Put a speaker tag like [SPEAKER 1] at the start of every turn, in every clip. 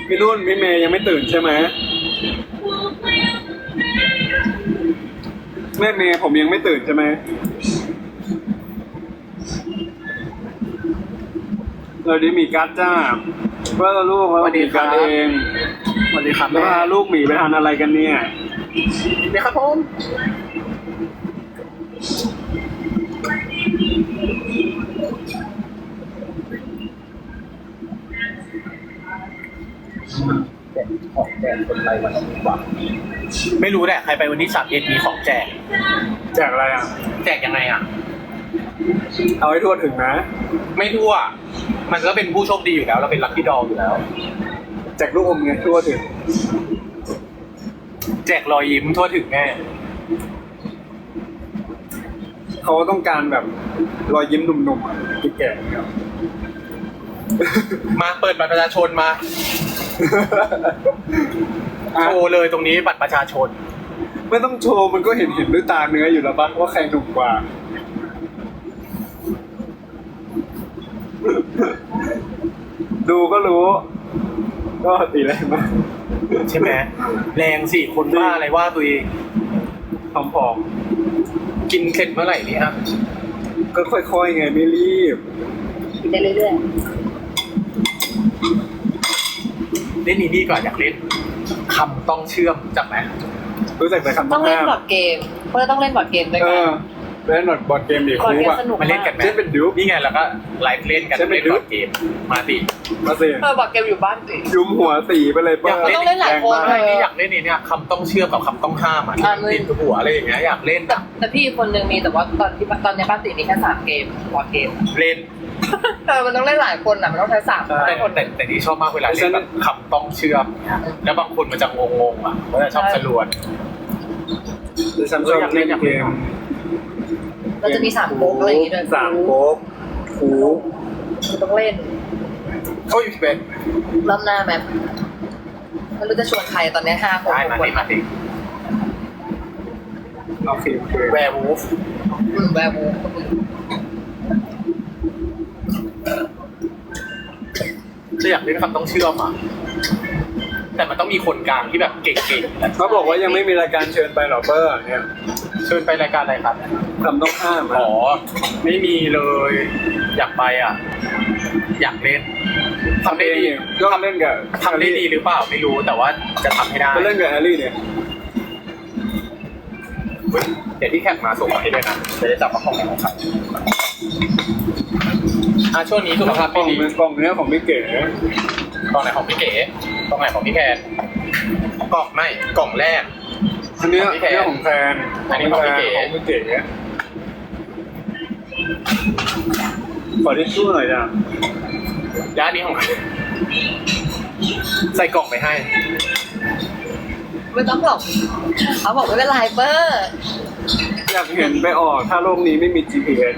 [SPEAKER 1] พี่นุ่นพี่เมย์ยังไม่ตื่นใช่ไหมแม่เมย์ผมยังไม่ตื่นใช่ไหมเราได้มีการ์ดจ้าเพื่อลูกเรามีการ์ดเอง
[SPEAKER 2] สวัสดีครับ
[SPEAKER 1] แล้วพาลูกหมีไปทานอะไรกันเนี่ย
[SPEAKER 2] เดี๋ยวครับผมของแจกคนไรวันนี้วะไม่รู้แหละใครไปวันที่31มีของแจก
[SPEAKER 1] แจกอะไรอ่ะ
[SPEAKER 2] แจกยังไงอ่ะ
[SPEAKER 1] เอาให้ทั่วถึงนะ
[SPEAKER 2] ไม่ทั่ว มันก็เป็นผู้โชคดีอยู่แล้วเราเป็นลัคกี้ดอลอยู่แล้ว
[SPEAKER 1] แจกลูกอมไงทั่วถึง
[SPEAKER 2] แจกรอยยิ้มทั่วถึงแน่
[SPEAKER 1] เขาต้องการแบบรอยยิ้มหนุ่มๆอ่ะแก่ๆครับ
[SPEAKER 2] มาเปิดบัตรประชาชนมาโชว์เลยตรงนี้บัตรประชาชน
[SPEAKER 1] ไม่ต้องโชว์มันก็เห็นด้วยตาเนื้ออยู่แล้วปะว่าใครหนุ่มกว่า ดูก็รู้ ก็ตีแรงมาก
[SPEAKER 2] ใช่ไหมแรงสิคนว่าอะไรว่าตัวเอง
[SPEAKER 1] ผอม
[SPEAKER 2] กินเสร็จเมื่อไหร่นี่ครับ
[SPEAKER 1] ๆก็ค่อยๆไงไม่รีบ
[SPEAKER 3] กินได้เรื่อย
[SPEAKER 2] เล่นนี่ก่อนอยากเล่นคำต้องเชื่อมจักไหม
[SPEAKER 1] รู้จักแต่คำ
[SPEAKER 3] ๆ ต้องเล่น
[SPEAKER 1] ห้าม
[SPEAKER 3] บอร์ดเกมเพราะต้องเล่นบอร์ดเกมด้วย
[SPEAKER 1] เอ
[SPEAKER 3] กัน
[SPEAKER 1] อเล่นบอร์ดเกมดิ
[SPEAKER 3] บอร์ด
[SPEAKER 1] คู
[SPEAKER 3] เกม
[SPEAKER 1] อ่ะ
[SPEAKER 3] สนุก
[SPEAKER 2] มาเล่นกันไหม
[SPEAKER 1] เช่นเป็นดิว
[SPEAKER 2] นี่ไงแล้วก็ไลฟ์เล่นกัน
[SPEAKER 1] ใช่ไหม
[SPEAKER 2] เล่นบอร์ดเกมมาสิ
[SPEAKER 1] มาสิ
[SPEAKER 3] บอร์ดเกมอยู่บ้านสิ
[SPEAKER 1] ยุมหัวตีไปเลย
[SPEAKER 2] อยาก
[SPEAKER 3] มันต้องเล่นหลายคน
[SPEAKER 2] อะไรนี่อยากเล่นนี่เนี่ยคำต้องเชื่อมกับคำต้องห้ามอ่ะที่มันติดหัวอะไรอย่างเงี้ยอยากเล่น
[SPEAKER 3] แต่พี่คนนึงมีแต่ว่าตอนในบ้านติมีแค่3เกมบอร์ดเกม
[SPEAKER 2] เล่น
[SPEAKER 3] มันต้องเล่นหลายคนอ่ะมันต้องใช้3
[SPEAKER 2] แต่
[SPEAKER 3] คน
[SPEAKER 2] แต่ที่ชอบมากเวลาเล่นแบบคำต้องเชื่อมแล้วบางคนมันจะงงๆอ่ะเขาจะชอบสลวน
[SPEAKER 1] ดิฉันชอบเล่นเกม
[SPEAKER 3] เราจะมี3โป๊กอะไรอย่างงี้ด้วย
[SPEAKER 1] สามโป๊กคู
[SPEAKER 3] ต้องเล่น
[SPEAKER 2] เขาอยู่ที่เป็น
[SPEAKER 3] รอบหน้าแมมไม่รู้จะชวนใครตอนนี้5 คน
[SPEAKER 2] ได้มาดิมาดิ
[SPEAKER 1] โอเคโอเค
[SPEAKER 2] แวร์วูฟ
[SPEAKER 3] แวร์วูฟก็มี
[SPEAKER 2] จะอยากเล่นคำต้องเชื่อมอ่ะแต่มันต้องมีคนกลางที่แบบเก่งๆ
[SPEAKER 1] เขาบอกว่ายังไม่มีรายการเชิญไปหรอเบอร์เนี่ย
[SPEAKER 2] เชิญไปรายการอะไรครับ
[SPEAKER 1] คำต้องห้าม
[SPEAKER 2] อ๋อไม่มีเลย อยากไปอ่ะ อยากเล่นทำได้ดี
[SPEAKER 1] ก็เล่นกับ
[SPEAKER 2] ทำได้ดีหรือเปล่าไม่รู้แต่ว่าจะทำให้ได้
[SPEAKER 1] ก็เล่นกับแอลลี่เนี่ย
[SPEAKER 2] เฮ้ยเดี๋ยวที่แขกมาส่งมาให้ด้วยนะจะได้จับว่าของไหนของใครช่วงนี้สุขภาพ
[SPEAKER 1] กล่
[SPEAKER 2] ไม่
[SPEAKER 1] อง
[SPEAKER 2] ดี
[SPEAKER 1] กล่องเนี้ยของพี่เก๋
[SPEAKER 2] กล่องไหนของพี่เก๋กล่องไหนของพี่แคนกล่องไม่กล่องแรก
[SPEAKER 1] อันเนี้ย
[SPEAKER 2] ของพี่แขก
[SPEAKER 1] เรื่องของแฟน
[SPEAKER 2] อันนี้ของพี่เก๋
[SPEAKER 1] ของพี่เก๋ขอทิชชู่หน่อยจ้ะ
[SPEAKER 2] และอันนี้ของใครใส่กล่องไปให้
[SPEAKER 3] ไม่ต้องหรอกเขาบอกไม่เป็นไรเบอร์
[SPEAKER 1] อยากเห็นไปออกถ้าโลกนี้ไม่มี GPS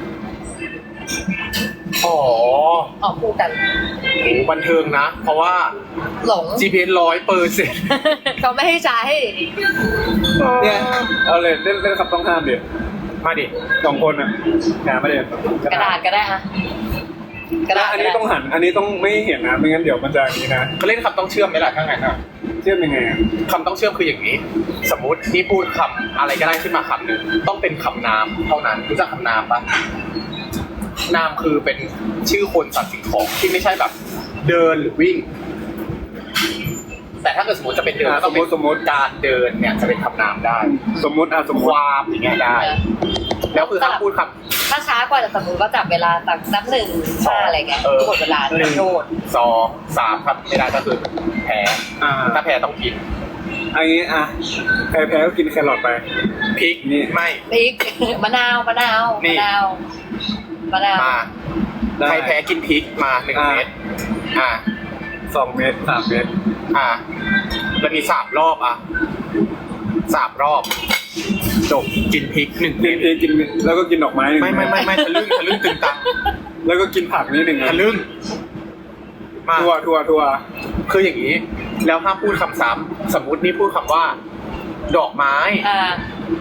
[SPEAKER 2] อ๋อ
[SPEAKER 3] ออกคู่กัน
[SPEAKER 2] โหบันเทิงนะ เพราะว่า
[SPEAKER 3] หลง
[SPEAKER 2] GPS 100%
[SPEAKER 3] เขาไม่ให้ใช้
[SPEAKER 1] เนี่ยเอาเลยเล่นคำต้องห้ามเดี๋ยว
[SPEAKER 2] มาดิ
[SPEAKER 1] 2 คนอ่ะงานไม่ได้
[SPEAKER 3] กระดาษก็ได้อะกระดาษ
[SPEAKER 1] อัน
[SPEAKER 3] ก็
[SPEAKER 1] นี้
[SPEAKER 3] ได้
[SPEAKER 1] ต้องหันอันนี้ต้องไม่เห็นนะไม่งั้นเดี๋ยวมันจะอย่างนี้นะ
[SPEAKER 2] ก็เล่นคำต้องเชื่อมไหมล่ะถ้างั้นอ่ะ
[SPEAKER 1] เชื่อมยังไงอ่ะ
[SPEAKER 2] คำต้องเชื่อมคืออย่างนี้ สมมุตินี่พูดคำอะไรก็ได้ขึ้นมาคำหนึ่งต้องเป็นคำนามเท่านั้นรู้จักคำนามปะนามคือเป็นชื่อคนสัตว์สิ่งของที่ไม่ใช่แบบ เดินหรือวิ่ง แต่ถ้าเกิดสมมติจะเป็นเดินก็ต้องเป็นสมมติการเดินเนี่ยจะเป็นคำนามได้
[SPEAKER 1] สมมติสมม
[SPEAKER 2] ค
[SPEAKER 1] ติ
[SPEAKER 2] วามอย่างเงี้ยได้ แล้วคือห้ามพูดคำ
[SPEAKER 3] ถ้าช้ากว่าจะสมมติว่าจับเวลาตักนับ1 5อะไรเงี้ยหมดเวลา
[SPEAKER 2] หนึ่ง
[SPEAKER 3] โทษ
[SPEAKER 2] สองสามครับไม่ได้ก็คือแพ้ ถ้าแพ้ต้องกิน
[SPEAKER 1] อันนี้อ่ะแพ้ก็กินแครอทไป
[SPEAKER 2] พริก
[SPEAKER 1] นี่
[SPEAKER 2] ไม่
[SPEAKER 3] พริก มะนาวมะนาว
[SPEAKER 2] นี่
[SPEAKER 3] มะนาวมะนาว
[SPEAKER 2] มา
[SPEAKER 1] ได้
[SPEAKER 2] ใครแพ้กินพริกมา1 เม็ดอ่า
[SPEAKER 1] 2 เม็ด3 เม็ด
[SPEAKER 2] อ่าแล้วมี3 รอบอ่ะ3 รอบ จบกินพริก1
[SPEAKER 1] กิ
[SPEAKER 2] เม็
[SPEAKER 1] น
[SPEAKER 2] ด
[SPEAKER 1] เองกินแล้วก็กินดอกไม้หนึ่ง
[SPEAKER 2] ไม่ทะลึ่งตึงตัง
[SPEAKER 1] แล้วก็กินผักนิดหนึ่ง
[SPEAKER 2] ทะลึ่งมา
[SPEAKER 1] ทัว
[SPEAKER 2] คืออย่างนี้ แล้วห้ามพูดคำซ้ำสมมุตินี่พูดคำว่า ดอกไม้
[SPEAKER 3] อ่า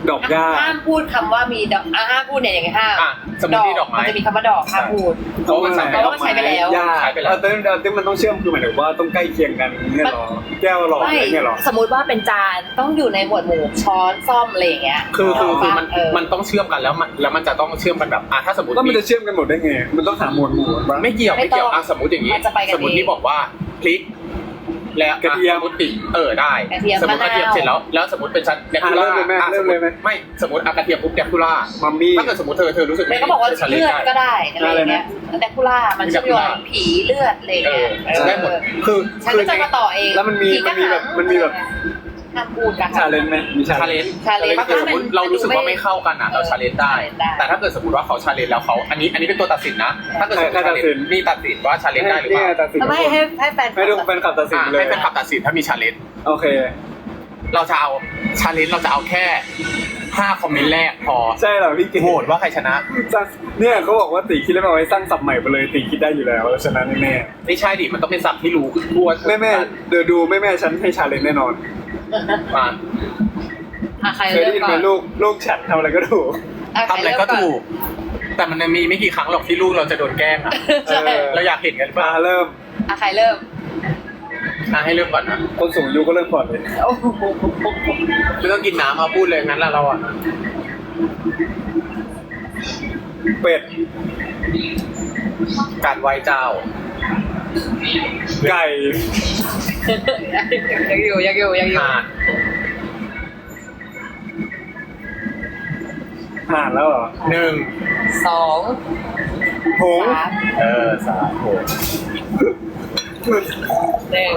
[SPEAKER 1] ดอกหญ้า
[SPEAKER 3] ห้ามพูดคำว่ามีดอกห้ามพูดเนี่ยอย่างไงห้าม
[SPEAKER 2] อ่ะสมมติที่ดอกไม้
[SPEAKER 3] มันจะมีคำว่าดอกห้ามพูด
[SPEAKER 2] เพราะมันใช้
[SPEAKER 3] เพราะว่ามันใช้ไปแล้ว
[SPEAKER 1] หญ้า
[SPEAKER 2] ใช้ไปแล้ว
[SPEAKER 1] แต่มันต้องเชื่อมคือหมายถึงว่าต้องใกล้เคียงกันเนี่ยหรอแก้วหลอดอะไรเนี่ยหรอ
[SPEAKER 3] สมมุติว่าเป็นจานต้องอยู่ในหมวดหมู่ช้อนซ่อมอะไรอย่างเงี้ย
[SPEAKER 2] คือมัน
[SPEAKER 3] เออ
[SPEAKER 2] มันต้องเชื่อมกันแล้วมันจะต้องเชื่อมกันแบบถ้าสมมติ
[SPEAKER 1] ก็มันจะเชื่อมกันหมดได้ไงมันต้องหาหมวดหมู่บ้าง
[SPEAKER 2] ไม่เกี่ยว
[SPEAKER 3] ไม่ต้อง
[SPEAKER 2] สมมติอย่างนี้
[SPEAKER 3] มันจะไปกัน
[SPEAKER 2] สมมติ
[SPEAKER 3] เอง
[SPEAKER 2] ที่บอกว่าพริกแล้ว
[SPEAKER 1] กระเทียม
[SPEAKER 2] สมมติติได้
[SPEAKER 3] กระเทียม
[SPEAKER 2] สมมติกระเทียม
[SPEAKER 3] มะนาว
[SPEAKER 2] เสร็จแล้วสมมติเป็นชั้นแดกคูล่า
[SPEAKER 1] เริ่มเลยไหมเริ่มเลยไหม
[SPEAKER 2] ไม่สมมติกระเทียมปุ๊บแดกคูล่า
[SPEAKER 1] มัมมี่
[SPEAKER 2] ถ้าเกิดสมมติเธอรู้สึก
[SPEAKER 3] เมย์ก็บอกว่า
[SPEAKER 2] ฉัน
[SPEAKER 3] เลือดก็
[SPEAKER 2] ได้
[SPEAKER 3] ได้อะไรอย่างเงี้ยแต่คุล่ามันเชื่อมโยงผีเลือดอะไรอย่าง
[SPEAKER 2] เอ
[SPEAKER 3] เงี้
[SPEAKER 2] อย ได้หมดคือ
[SPEAKER 3] ฉันก็จะมาต่อเอง
[SPEAKER 1] แล้วมันมี
[SPEAKER 3] ผีก็
[SPEAKER 1] มันมีแบบ
[SPEAKER 3] ห้ามพูดกัน
[SPEAKER 1] ชาเลนจ์ไหมมีชา
[SPEAKER 2] ชา
[SPEAKER 1] เล
[SPEAKER 2] เล
[SPEAKER 1] น
[SPEAKER 2] น
[SPEAKER 1] จ์
[SPEAKER 2] จ์
[SPEAKER 3] challenge
[SPEAKER 2] ถ้าเกิดสมมติเรารู้สึกว่าไม่เข้ากันเราชาเลนจ์ได้
[SPEAKER 3] ได้
[SPEAKER 2] แต่ถ้าเกิดสมมติว่าเขาชาเลนจ์แล้วเขาอันนี้เป็นตัวตัดสินนะ ถ้าเกิดสมมติ challenge นี่ตัดสินว่าชาเลนจ์ได้หรือเปล่า
[SPEAKER 1] ตัดสิน
[SPEAKER 3] ไม่ให้แฟน
[SPEAKER 1] ให้ทุกแฟนคลับตัดสินเลย
[SPEAKER 2] ให้เป็นขับตัดสินถ้ามีชาเลนจ์
[SPEAKER 1] โอเค
[SPEAKER 2] เราจะเอาชาเลนจ์เราจะเอาแค่5คอมเมนต์แรกพอ
[SPEAKER 1] ใช่เหรอพี่เก๋
[SPEAKER 2] โหวตว่าใครชนะ
[SPEAKER 1] เนี่ยเขาบอกว่าตีคิดแล้วเอาไว้สร้างศัพท์ใหม่ไปเลยตีคิดได้อยู่แล้วชนะแน่
[SPEAKER 2] ไม่ใช่ดิมันต้องเป็นศัพท์ที่รู้ทั่ว
[SPEAKER 1] แม่เดี๋ยวดูแม่ฉันให้ชาเลนจ์แน่นอน
[SPEAKER 2] มา
[SPEAKER 3] ใคร
[SPEAKER 1] เคย
[SPEAKER 3] เริ่
[SPEAKER 1] ได้
[SPEAKER 3] ม
[SPEAKER 1] ยิน
[SPEAKER 3] ก่
[SPEAKER 1] ไหม
[SPEAKER 3] อน
[SPEAKER 1] ลูกฉันทำอะไรก็ถูก
[SPEAKER 2] ทำอะไรก็ถูก แต่มันมีไม่กี่ครั้งหรอกที่ลูกเราจะโดนแกล้งอะ
[SPEAKER 3] ใช่
[SPEAKER 2] เราอยากเห็นกันหรือเป
[SPEAKER 1] มา
[SPEAKER 2] ล่า
[SPEAKER 1] เริ่ม
[SPEAKER 3] ใครเริ่ม
[SPEAKER 2] ให้เริ่มก่อนนะ
[SPEAKER 1] คนสูงอายุก็เริ่มก่อนเลย
[SPEAKER 3] โอ้โห
[SPEAKER 2] ไม่ต้องกินน้ำมาพูดเลยงั้นเราอะ
[SPEAKER 1] เป็ด
[SPEAKER 2] การไหว้เจ้า
[SPEAKER 1] ไก่
[SPEAKER 3] ยังอยู่
[SPEAKER 2] ห่าน
[SPEAKER 1] ห่านแล้วเหรอ
[SPEAKER 2] 1
[SPEAKER 3] 2
[SPEAKER 1] หงส์
[SPEAKER 3] 3
[SPEAKER 2] 3 6
[SPEAKER 3] 1
[SPEAKER 1] หนึ่ง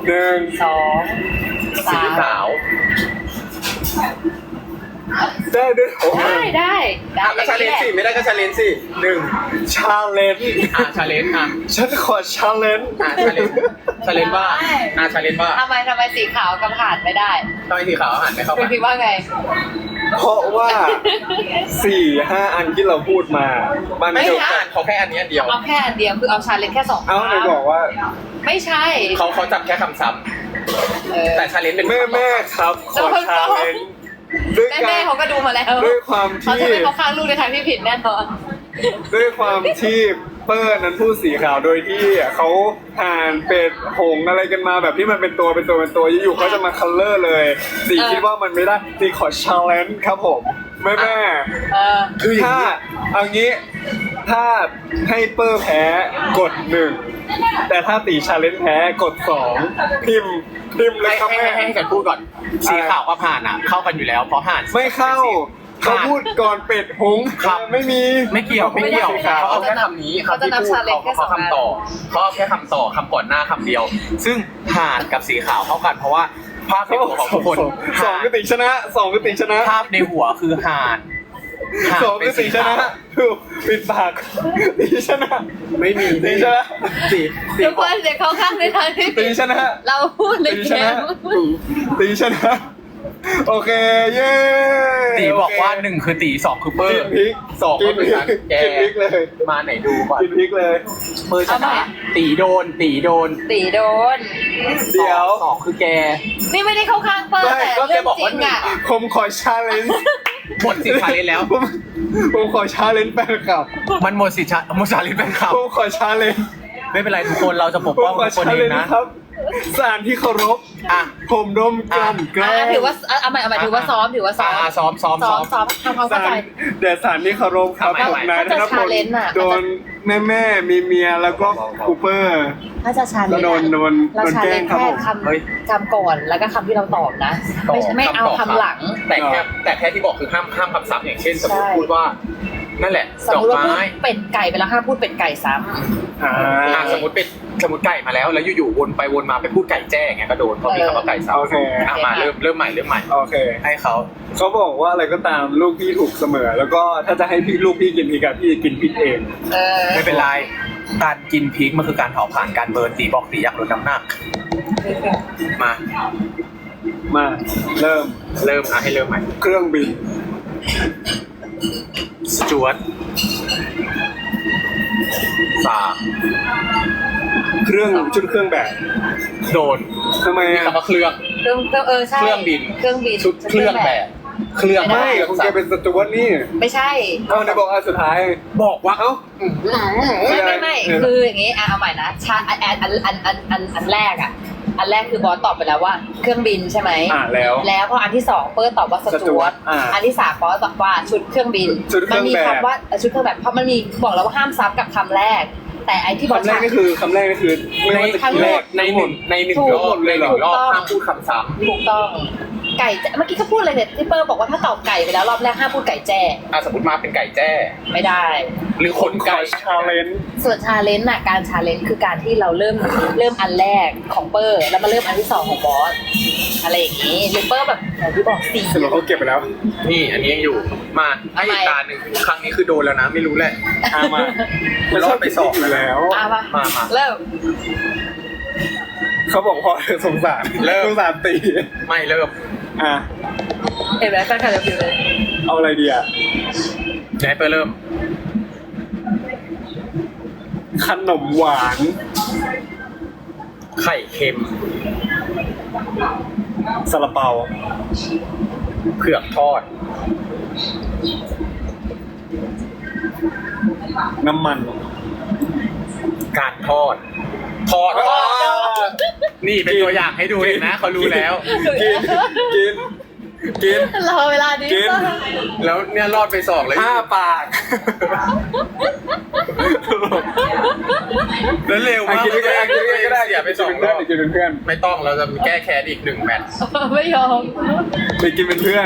[SPEAKER 3] 2
[SPEAKER 2] สีขาว
[SPEAKER 1] ได้ด้วยโอ้
[SPEAKER 3] 3ได้
[SPEAKER 2] ก็ชาเลนจ์สิไม่ได้ก็ชาเลนจ์สิ1
[SPEAKER 1] ชาเลนจ์
[SPEAKER 2] ชาเลนจ์
[SPEAKER 1] ฉันขอชาเลนจ์
[SPEAKER 2] ชาเลนจ์ชาเลนจ์ว่าชาเลนจ์ว่า
[SPEAKER 3] ทำไมสีขาวกับผ่านไม่ได้
[SPEAKER 2] ทำไมสีขาวหันไม่เข้า
[SPEAKER 3] คุ
[SPEAKER 2] ไป
[SPEAKER 3] ณคิดว่าไง
[SPEAKER 1] เพราะว่า 4-5 อันที่เราพูดมามัน
[SPEAKER 2] ไม่
[SPEAKER 1] จ
[SPEAKER 2] ถู
[SPEAKER 1] บ
[SPEAKER 2] กอ่านเขาแค่อันนี้อันเดียว
[SPEAKER 3] เอาแค่อันเดียวคือเอาชาเลนจ์แค่2
[SPEAKER 1] เอาไหนบอกว่า
[SPEAKER 3] ไม่ใช่
[SPEAKER 2] เขาจำแค่คำซ้ำ
[SPEAKER 3] เออ
[SPEAKER 2] แต่ชาเลนจ์เป็น
[SPEAKER 1] แม่ครับขอชาเลนจ์ด้วย
[SPEAKER 3] แม่
[SPEAKER 1] การ
[SPEAKER 3] เขาก็ดูมาแล้ว
[SPEAKER 1] ด้วยความ
[SPEAKER 3] เขา
[SPEAKER 1] ที่
[SPEAKER 3] จะไม่เข้าข้างลูกในทางที่ผิดแน่นอน
[SPEAKER 1] ด้วยความที่เปิ้ลนั้นพูดสีขาวโดยที่เขาห่านเป็ดหงส์อะไรกันมาแบบที่มันเป็นตัวอยู่ๆเขาจะมาคัลเลอร์เลยสีคิดว่ามันไม่ได้สีขอชาเลนจ์ครับผมแม่
[SPEAKER 3] เออ
[SPEAKER 1] คือถ้าเอางี้ถ้าให้เปอร์แพ้กด 1แต่ถ้าตีชาเลนจ์แพ้กด 2พิมพ์เลยครับแม่
[SPEAKER 2] ให้ฉันพูดก่อน สีขาวกับห่านอ่ะ เข้ากันอยู่แล้วเพราะห่าน
[SPEAKER 1] ไม่เข้าเขาพูดก่อนเป็ดหงส์
[SPEAKER 2] ครับ
[SPEAKER 1] ไม่มี
[SPEAKER 2] ไม่เกี่ยวเขาเอาแค่คำนี้คำที่พูดเขาคำต่อเขาเอาแค่คำต่อคำก่อนหน้าคำเดียว ซึ่งห่านกับสีขาวเข้ากันเพราะว่าภาพในหัวของทุกคน
[SPEAKER 1] สองคือติชนะสองคือติชนะ
[SPEAKER 2] ภาพในหัวคือห่าน
[SPEAKER 1] สองคือติชนะถูกปิดปากติชนะ
[SPEAKER 2] ไม่มี
[SPEAKER 1] ติชนะ
[SPEAKER 2] สี
[SPEAKER 3] ทุกคนเดี๋ยวเข้าข้างในทางที่
[SPEAKER 1] ติ
[SPEAKER 3] ผิด
[SPEAKER 1] ชนะ
[SPEAKER 3] เราพูดเลย
[SPEAKER 1] ติ
[SPEAKER 3] แก
[SPEAKER 1] ชนะติชนะโอเคเย้
[SPEAKER 2] ตีบอกว่า1คือตี2คือเปอ
[SPEAKER 1] กิ
[SPEAKER 2] ร์
[SPEAKER 1] นพริก
[SPEAKER 2] 2ก็คือฉันแก
[SPEAKER 1] กินพริกเลย
[SPEAKER 2] มาไหนดูก่อน
[SPEAKER 1] กินพริกเลย
[SPEAKER 2] เปอร์ชนะตีโดน
[SPEAKER 3] ตีโดน
[SPEAKER 1] เดี๋ยว
[SPEAKER 2] 2คือแก
[SPEAKER 3] นี่ไม่ได้เข้าข้างเปิ้ล
[SPEAKER 1] ไม่
[SPEAKER 3] แต่
[SPEAKER 2] ก็แก
[SPEAKER 3] เรื่อง
[SPEAKER 2] บอก
[SPEAKER 3] จริ
[SPEAKER 2] ว่า
[SPEAKER 3] งอ่ะ
[SPEAKER 1] ผมขอชาเลนจ์
[SPEAKER 2] หมดสิทธิ์ชาเลนจ์แล้ว
[SPEAKER 1] ผมขอชาเลนจ์แฟนคลับ
[SPEAKER 2] มันหมดสิทธิ์ชาเลนจ์เป็นข่าว
[SPEAKER 1] ผมขอชาเลนจ์
[SPEAKER 2] ไม่เป็นไรทุกคนเราจะปก
[SPEAKER 1] ผม
[SPEAKER 2] ป้อง
[SPEAKER 1] ขอ
[SPEAKER 2] ทุกคน
[SPEAKER 1] ชา
[SPEAKER 2] เอ
[SPEAKER 1] เล
[SPEAKER 2] ง
[SPEAKER 1] นจ์
[SPEAKER 2] นะ
[SPEAKER 1] ครับสารที่เคารพ
[SPEAKER 2] อ่ะ
[SPEAKER 1] ผมดมกลั่นแกล้ง
[SPEAKER 3] ถือว่าเอาใหม่ถือว่าซ้อมถือว่าซ้อม
[SPEAKER 2] ซ้อม
[SPEAKER 3] ซ้อมทำความเข้า
[SPEAKER 1] สาร
[SPEAKER 3] ใจ
[SPEAKER 1] เดี๋ยวสารที่เคารพครับ
[SPEAKER 2] ทำไม
[SPEAKER 1] ผมนายธ
[SPEAKER 3] ถ้าจะ
[SPEAKER 1] นพล
[SPEAKER 3] challenge อะ
[SPEAKER 1] โดนแม่มีเมียแล้วก็คูเปอร์
[SPEAKER 3] ถ้าจะชาเลนจ์
[SPEAKER 1] โดน
[SPEAKER 3] เราชา
[SPEAKER 1] แก
[SPEAKER 3] เล
[SPEAKER 1] ล้
[SPEAKER 3] น
[SPEAKER 1] ง
[SPEAKER 3] จ์
[SPEAKER 1] ครับ
[SPEAKER 3] แค่
[SPEAKER 1] ผม
[SPEAKER 3] คำก่อนแล้วก็คำที่เราตอบนะ ไม่เอาคำหลัง
[SPEAKER 2] แต่แค่ที่บอกคือห้ามคำซ้ำอย่างเช่นสมมติพูดว่านั่นแหละ
[SPEAKER 3] สม
[SPEAKER 2] ดอ
[SPEAKER 3] ม
[SPEAKER 2] ก
[SPEAKER 3] ติว่าพูด
[SPEAKER 2] ไม้
[SPEAKER 3] เป็ดไก่ไปแล้วห้ามพูดเป็ดไก่ซ้
[SPEAKER 2] สมมติไก่มาแล้วอยู่ๆวนไปวนมาไปพูดไก่แจ้งเงี้ยก็โดนเพราะมีคำว่าไก่ซ้ำ
[SPEAKER 1] โอเค
[SPEAKER 2] มาเริ่มใหม่
[SPEAKER 1] โอเค
[SPEAKER 2] ให้เขา
[SPEAKER 1] เขาบอกว่าอะไรก็ตามลูกพี่ถูกเสมอ แล้วก็ถ้าจะให้ลูกพี่กินพริกอะพี่กินพริกเอง
[SPEAKER 3] ำ
[SPEAKER 2] ไม่เป็นไรการกินพริกมันคือการเผาผ่านการเบิร์นตีบอกตีอยากลดน้ำหนักมา
[SPEAKER 1] มาเริ่ม
[SPEAKER 2] ให้เริ่มใหม่
[SPEAKER 1] เครื่องบิน
[SPEAKER 2] สจวต
[SPEAKER 1] ชุดเครื่องแบบ
[SPEAKER 2] โดน
[SPEAKER 1] ทำไม
[SPEAKER 2] มี
[SPEAKER 1] อะ
[SPEAKER 2] คำว่าเครื่อง
[SPEAKER 3] ใช่
[SPEAKER 2] เครื่องบิน
[SPEAKER 3] เครื่องบิน
[SPEAKER 2] ชุดเครื่องแบบเครื่อง
[SPEAKER 1] ไม่คุณแกเป็นสจวตนี่
[SPEAKER 3] ไม่ใช่
[SPEAKER 1] เอาในบอกอันสุดท้าย
[SPEAKER 2] บอกว่า
[SPEAKER 1] เอ้า
[SPEAKER 3] ไม่คืออย่างงี้เอาใหม่นะอันแรกอ่ะอันแรกคือบอสตอบไปแล้วว่าเครื่องบินใช่ไหม
[SPEAKER 1] แล้ว
[SPEAKER 3] แล้วพออันที่สองเปิ้ลตอบว่าสจวต อันที่สามบอสตอบว่าชุดเครื่องบิน
[SPEAKER 1] ชุดเค
[SPEAKER 3] มั
[SPEAKER 1] รื่อง
[SPEAKER 3] มี
[SPEAKER 1] แบบ
[SPEAKER 3] คำว่าชุดเครื่องแบบเพราะมันมีบอกแล้วว่าห้ามซับกับคำแรก แต่ไอที่บอส
[SPEAKER 1] คำแรกนี่คือไม่ว่าจะ
[SPEAKER 3] ทั้งหมด
[SPEAKER 2] ในหนึ่งรอบในหนึ่งรอบห้ามพูดคำซ้
[SPEAKER 3] ถูกต้องไก่แจ้เมื่อกี้เขาพูดอะไรเนี่ยที่เปิ้ลบอกว่าถ้าตอบไก่ไปแล้วรอบแรกห้ามพูดไก่แจ้
[SPEAKER 2] ำสมมติมาเป็นไก่แจ้
[SPEAKER 3] ไม่ได้
[SPEAKER 2] หรือคนไก่
[SPEAKER 1] ชาเลนจ์
[SPEAKER 3] ส่วนชาเลนจ์น่ะการชาเลนจ์คือการที่เราเริ่มอันแรกของเปอร์แล้วมาเริ่มอันที่สองของบอสอะไรอย่างนี้หรือเปอร์แบบอย่างที่บอกสี่
[SPEAKER 1] สรุปเขาเก็บไปแล้ว
[SPEAKER 2] นี่อันนี้ยังอยู่มาให้อีกตาหนึ่งครั้งนี้คือโดนแล้วนะไม่รู้แหละ
[SPEAKER 1] มามันชอบไปสอบอยู่แล้ว
[SPEAKER 3] มา
[SPEAKER 2] มา
[SPEAKER 3] เริ่ม
[SPEAKER 1] เขาบอกพอสงสารสงสารตี
[SPEAKER 2] ไม่เริ่ม
[SPEAKER 3] เห็นไหมแฟนคลับจะพิมพ์เลย
[SPEAKER 1] เอาอะไรดีอ่ะ
[SPEAKER 2] เดี๋ยวให้เปิดเริ่ม
[SPEAKER 1] ขนมหวาน
[SPEAKER 2] ไข่เค็ม
[SPEAKER 1] ซาลาเปา
[SPEAKER 2] เผือกทอด
[SPEAKER 1] น้ำมัน
[SPEAKER 2] การทอดนี่เป็นตัวอย่างให้ดูเห็นนะเขารู้แล้ว
[SPEAKER 1] กิน
[SPEAKER 3] รอเวลานี้
[SPEAKER 1] กิน
[SPEAKER 2] แล้วเนี่ยรอดไป2เลย
[SPEAKER 1] 5 ปาก
[SPEAKER 2] แล้วเร็วมาก
[SPEAKER 1] กินก็ได้
[SPEAKER 2] เสียไป2รอบ
[SPEAKER 1] กินเป็นเพื่อน
[SPEAKER 2] ไม่ต้องเราจะแก้แค้นอีก1แมตช์
[SPEAKER 3] ไม่ยอม
[SPEAKER 1] ไปกินเป็นเพื่อน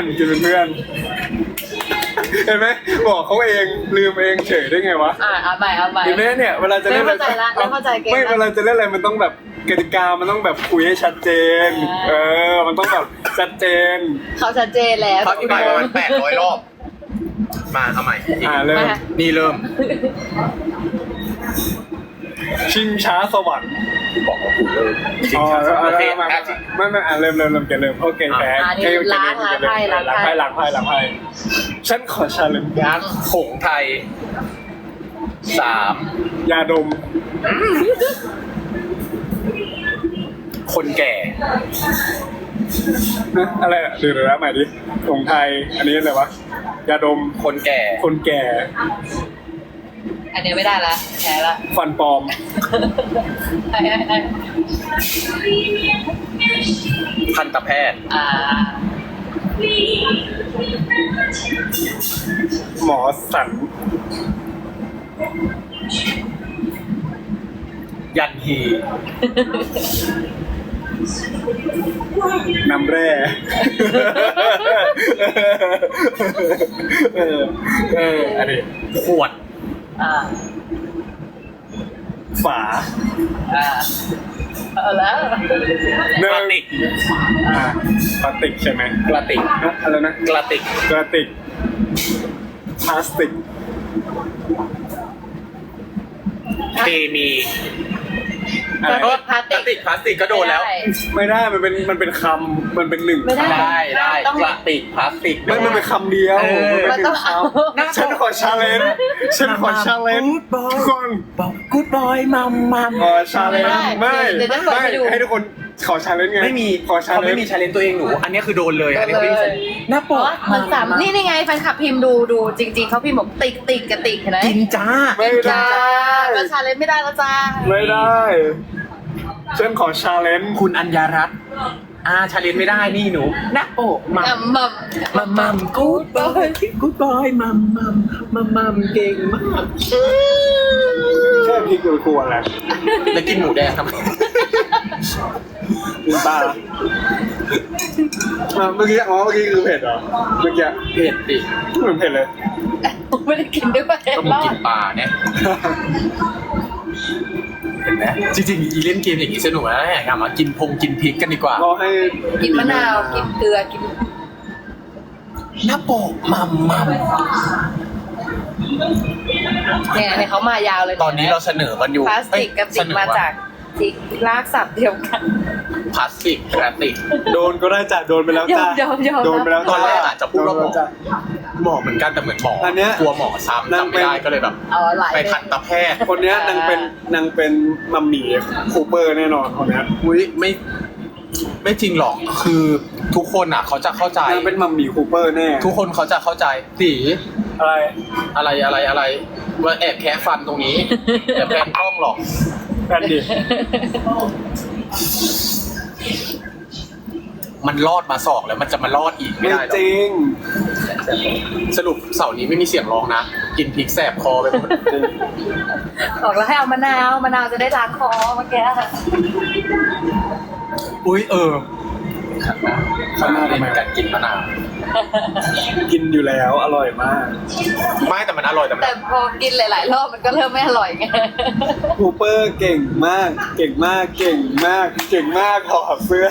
[SPEAKER 1] เห็นไหมบอกเขาเองลืมเองเฉยได้ไงวะ
[SPEAKER 3] เอาใหม่
[SPEAKER 1] เห็นไหมเนี่ยเวลาจะเล่น
[SPEAKER 3] เริ่มเข้าใจละเริ่มเข้าใจเกมละ
[SPEAKER 1] ไม่เวลาจะเล่นอะไรมันต้องแบบกติกามันต้องแบบคุยให้ชัดเจน มันต้องแบบชัดเจน
[SPEAKER 3] เขาชัดเจนแล้ว
[SPEAKER 2] เขาอธิบายประมาณ800 รอบ มาเอาใหม่อีก
[SPEAKER 1] เริ่ม
[SPEAKER 2] นี่เริ่ม
[SPEAKER 1] ชิงช้าสวรรค์
[SPEAKER 2] บอกว่าถูกเลยจริงๆโอเค
[SPEAKER 1] ไม่เริ่มแกเริ่มโอเคแพ้ล้างไพ่ฉันขอชาเลนจ์
[SPEAKER 2] ยักษ์ผงไทย 3
[SPEAKER 1] ยาดม
[SPEAKER 2] คนแก่
[SPEAKER 1] อะไรอ่ะเดี๋ยวนะใหม่ดิของไทยอันนี้อะไรวะยาดม
[SPEAKER 2] คนแก่
[SPEAKER 1] คนแก่
[SPEAKER 3] อันนี้ไม่ได้ละแพ้ละ
[SPEAKER 1] ฟันปลอม
[SPEAKER 2] ทันตแพทย์
[SPEAKER 1] หมอสัน
[SPEAKER 2] ยันฮี
[SPEAKER 1] น้ำแร่อันนี้
[SPEAKER 2] ขวด
[SPEAKER 1] ฝา
[SPEAKER 3] เอาแล้ว
[SPEAKER 1] เนื้
[SPEAKER 2] ก
[SPEAKER 1] อ
[SPEAKER 2] ระติก
[SPEAKER 1] พลาสติกใช่ไหม
[SPEAKER 2] กระติก
[SPEAKER 1] อะไรนะ
[SPEAKER 2] กระติก
[SPEAKER 1] กระติกพลาสติก
[SPEAKER 2] เคมี
[SPEAKER 1] อะไร
[SPEAKER 3] พลาสติก
[SPEAKER 2] พลาสติกก็โดนแล้ว
[SPEAKER 1] ไม่ได้มันเป็นคำมันเป็นหนึ่ง
[SPEAKER 3] ไม่ได้
[SPEAKER 1] คำ
[SPEAKER 2] ได้กระติกพลาสติก
[SPEAKER 1] ไม่มันเป็นคำเดียว
[SPEAKER 3] มันต้องเอา
[SPEAKER 1] ฉันขอชาเลนจ์ทุกคน
[SPEAKER 2] บอกกูดบอยมัม
[SPEAKER 1] ขอชาเลนจ์ไม่ให้ทุกคนขอชาเลนจ์ไง
[SPEAKER 2] ไม่มี
[SPEAKER 1] ขอชา
[SPEAKER 2] เขา
[SPEAKER 1] เลน
[SPEAKER 2] ไม่
[SPEAKER 1] จ์
[SPEAKER 2] มีชาเลนตัวเองหนูอันนี้คือโดนเลยอันนี้ไม่มีหน้าปก
[SPEAKER 3] มันสามนี่ไงแฟนคลับพิมพ์ดูจริงๆเขาพิมพ์บอกติกกับติกเห็นไหม
[SPEAKER 2] กินจ้า
[SPEAKER 1] ไม่ได้
[SPEAKER 3] มันชาเลนจ์ไม่ได้แล้วจ้า
[SPEAKER 1] ไม่ได้ฉันขอชาเลนจ์
[SPEAKER 2] คุณอัญญารัตน์ชาเลนไม่ได้นี่หนูหน้าปกมัม มัมกูดบอยมัมเก่งมาก
[SPEAKER 1] แค่พริกกลัวๆแหละ
[SPEAKER 2] แล้วกินหมูแดงทำไม
[SPEAKER 1] กินปลาเมื่อกี้คือเผ็ดเหรอเมื่อกี้
[SPEAKER 2] เผ็ดดิ
[SPEAKER 1] เหมือนเผ็ดเลย
[SPEAKER 3] ไม่ได้กินด้วย
[SPEAKER 2] ก็มึงกินปลาเนี่ยเห็นไหมจริงๆอีเล่นเกมอย่างนี้สนุกนะอยากทำมากินกินพริกกันดีกว่า
[SPEAKER 1] รอให้
[SPEAKER 3] กินมะนาวกินเกลือกิน
[SPEAKER 2] หน้าปกมัม
[SPEAKER 3] เนี่ยเขามายาวเลย
[SPEAKER 2] ตอนนี้เราเสนอกันอยู่
[SPEAKER 3] พลาสติกกับติกมาจากติกลากศัพท์เดียวกัน
[SPEAKER 2] พลาสติกกระติก
[SPEAKER 1] โดนก็ได้จ้ะโดนไปแล้วจ้ะ
[SPEAKER 3] ยอม
[SPEAKER 1] โดนไปแล้ว
[SPEAKER 2] ตอนแรกอาจจะพูดว่าหมอ
[SPEAKER 1] จ้ะ
[SPEAKER 2] หมอเหมือนกันแต่เหมือนหมออน
[SPEAKER 1] เนี้ย
[SPEAKER 2] กลัวหมอซ้ำ
[SPEAKER 1] นาง
[SPEAKER 2] จำ
[SPEAKER 1] เป็
[SPEAKER 2] ไม่
[SPEAKER 1] น
[SPEAKER 2] ได้ก็เลยแบบ
[SPEAKER 3] เอาหลาย
[SPEAKER 2] ไปทันตแพทย์
[SPEAKER 1] คนเนี้ยนางเป็นมัมมี่คูเปอร์แน่นอนคนเนี้ย
[SPEAKER 2] อุ้ยไม่จริงหรอกคือทุกคนอ่ะเขาจะเข้าใจ
[SPEAKER 1] นางเป็นมัมมี่คูเปอร์แน่
[SPEAKER 2] ทุกคนเขาจะเข้าใจตี
[SPEAKER 1] อะไร
[SPEAKER 2] อะไรว่าแอบแคะฟันตรงนี้แอบแพนกล้องหรอก
[SPEAKER 1] แพนดิ
[SPEAKER 2] มันรอดมาศอกแล้วมันจะมารอดอีกไม่
[SPEAKER 1] ไม่
[SPEAKER 2] ได้หร
[SPEAKER 1] จ
[SPEAKER 2] อก
[SPEAKER 1] ริง
[SPEAKER 2] สรุปเสาร์นี้ไม่มีเสียงร้องนะ กินพริกแสบคอไปหมด
[SPEAKER 3] บอกแล้วให้เอามะนาวจะได้ล้างคอเมื่อกี้
[SPEAKER 2] อุ้ยข้างหน้าทำไมการกินมะนาว
[SPEAKER 1] กินอยู่แล้วอร่อยมาก
[SPEAKER 2] ไม่แต่มันอร่อยแต่มัน
[SPEAKER 3] แต่พอกินหลายๆรอบมันก็เริ่มไม่อร่อยไง
[SPEAKER 1] คูเปอร์เก่งมาก เก่งมาก เก่งมาก เก่งมากถอดเสื้อ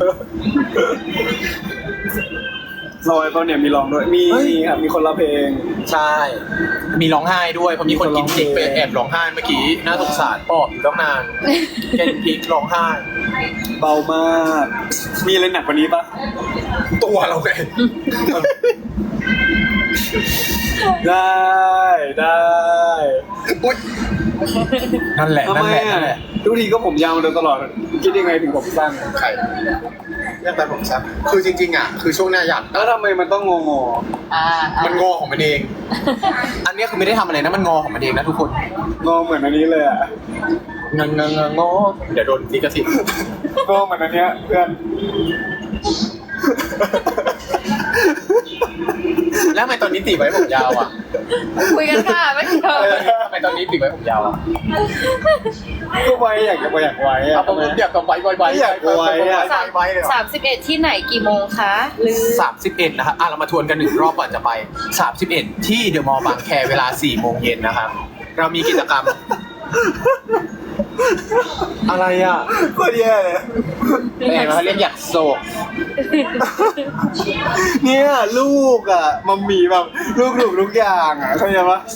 [SPEAKER 1] ลอยเขาเนี่ยมีร้องด้วยมีครับมีคนละเพลง
[SPEAKER 2] ใช่ มีร้องไห้ด้วยเพราะมีคนกินพริกไปแอบร้องไห้เมื่อกี้น่าสงสารปอบอยู่ตั้งนานกินพริกร้องไห้
[SPEAKER 1] เบามาก มีอะไรหนักกว่านี้ปะ
[SPEAKER 2] ตัวเราไง
[SPEAKER 1] ได้
[SPEAKER 2] อุ๊ยนั่นแหละ
[SPEAKER 1] ทำไมอ่ะทุกทีก็ผมยาวมาโดยตลอด คิดยังไงถึงผมสั้น
[SPEAKER 2] ใครเรียกแต่ผมซับคือจริงๆอ่ะคือช่วงหน้าอยาก
[SPEAKER 1] แล้วทำไมมันต้องงอ
[SPEAKER 2] มันงอของมันเอง อันนี้คือไม่ได้ทำอะไรนะมันงอของมันเองนะทุกคน
[SPEAKER 1] งอเหมือนอันนี้เลยอ่ะ
[SPEAKER 2] งอเดี๋ยวโดนลิขสิทธิ์
[SPEAKER 1] งอเหมือนอันเนี้ยเพื่อน
[SPEAKER 2] แล้วทำไมตอนนี้ตีไว้ผมยาวอ่ะ
[SPEAKER 3] คุยกันค่ะไม่เจอ
[SPEAKER 2] ทำไมตอนนี้ตีไว้ผมยาวอ่ะ
[SPEAKER 1] ก็ไว้อยากจะอยากไว้อะ
[SPEAKER 2] เอาผมอยากกับไว้เลย
[SPEAKER 3] 31ที่ไหนกี่โมงคะหรือ
[SPEAKER 2] 31นะครับเรามาทวนกันหนึ่งรอบก่อนจะไป 31 ที่เดอะมอลล์บางแคเวลา 4 โมงเย็นนะครับ เรามีกิจกรรม อะไรอ่ะ
[SPEAKER 1] ก็แย่เลย
[SPEAKER 2] เป็นไงเขาเรียกอยากโศก
[SPEAKER 1] เนี่ยลูกอ่ะมัมมี่แบบลูกถูกทุกอย่างอ่ะเข้าใจปะ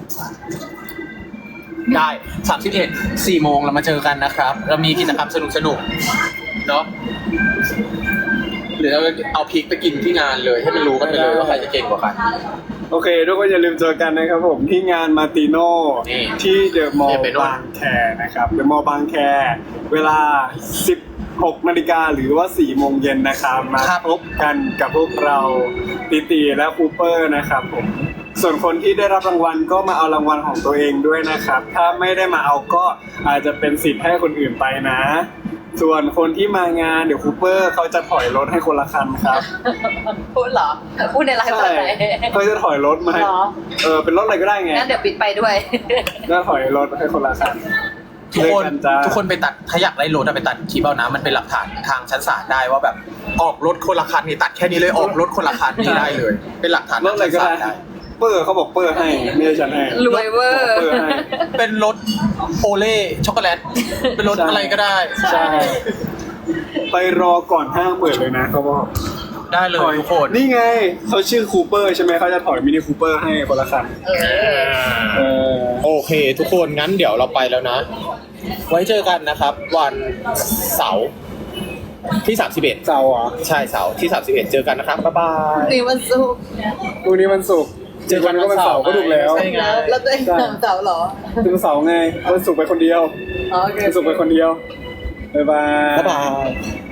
[SPEAKER 2] ได้ 31 4 โมงเรามาเจอกันนะครับ เรามีกิจกรรมสนุกๆ เนาะหรือเราเอาพริกไปกินที่งานเลย ให้มันรู้กันไปเลยว่าใครจะเก่งกว่ากัน
[SPEAKER 1] โอเคทุกคนอย่าลืมเจอกันนะครับผมที่งานมาติโน่
[SPEAKER 2] นี่
[SPEAKER 1] ที่เดอะมอล
[SPEAKER 2] อย่าไป
[SPEAKER 1] ล์
[SPEAKER 2] โน่น
[SPEAKER 1] บางแคนะครับเดอะมอลล์บางแคเวลา 16 นาฬิกาหรือว่า 4 โมงเย็นนะครับมาพบกันกับพวกเราตีและคูเปอร์นะครับผมส่วนคนที่ได้รับรางวัลก็มาเอารางวัลของตัวเองด้วยนะครับ ถ้าไม่ได้มาเอาก็อาจจะเป็นสิทธิ์ให้คนอื่นไปนะ ส่วนคนที่มางานเดี๋ยวคูเปอร์เขาจะถอยรถให้คนละคันครับ
[SPEAKER 3] พูดเหรอพูดในไลฟ์ส
[SPEAKER 1] ใช่
[SPEAKER 3] ดไหน
[SPEAKER 1] เขาจะถอยรถมาให้
[SPEAKER 3] เหรอ
[SPEAKER 1] เป็นรถอะไรก็ได้ไง
[SPEAKER 3] งั้นเดี๋ยวปิดไปด้วย
[SPEAKER 1] แล้วถอยรถให้คนละคัน
[SPEAKER 2] ทุกคน
[SPEAKER 1] เจอจ้า
[SPEAKER 2] ทุกคนไปตัดถ้าอยากได้รถอะไปตัดคลิปเอานะมันเป็นหลักฐานทางชั้นศาลได้ว่าแบบออกรถคนละคันนี่ตัดแค่นี้เลยออกรถคนละคันนี่ได้เลย เป็นหลักฐาน
[SPEAKER 1] รถอะไรก็ได้
[SPEAKER 2] ทางชั้นศาล
[SPEAKER 1] เปอร์เขาบอกเปอร์ให้ไม่ใช่ฉันให้
[SPEAKER 3] รวยเวอร์
[SPEAKER 1] เปอร์ให้
[SPEAKER 2] เป็นรถโอเล่ช็อกโกแลตเป็นรถอะไรก็ได้
[SPEAKER 1] ใช่ไปรอก่อนห้างเปิดเลยนะเขาบอก
[SPEAKER 2] ได้เลย
[SPEAKER 1] ถอย
[SPEAKER 2] ทุกคน
[SPEAKER 1] นี่ไงเขาชื่อคูเปอร์ใช่ไหมเขาจะถอยมินิคูเปอร์ให้คนละคัน เออ
[SPEAKER 2] โอเค ทุกคนงั้นเดี๋ยวเราไปแล้วนะ ไว้เจอกันนะครับ วันเสาร์ที่ 31
[SPEAKER 1] เสาร์เหรอ
[SPEAKER 2] ใช่เสาร์ที่ 31 เจอกันนะครับบ๊ายบาย
[SPEAKER 3] นี่วันศุกร์
[SPEAKER 1] พรุ่งนี้วันศุกร์เจอกันก็วันเสาร์ก็ถูกแล้ว
[SPEAKER 2] ใช่ไง
[SPEAKER 3] แล้วตัวเองทำเสาร์เหรอ
[SPEAKER 1] ถึงเสาร์ไงวันศุกร์ไปคนเดียว
[SPEAKER 3] อ๋อโอเค
[SPEAKER 1] วันศุกร์ไปคนเดียวบ๊ายบาย
[SPEAKER 2] บ๊ายบาย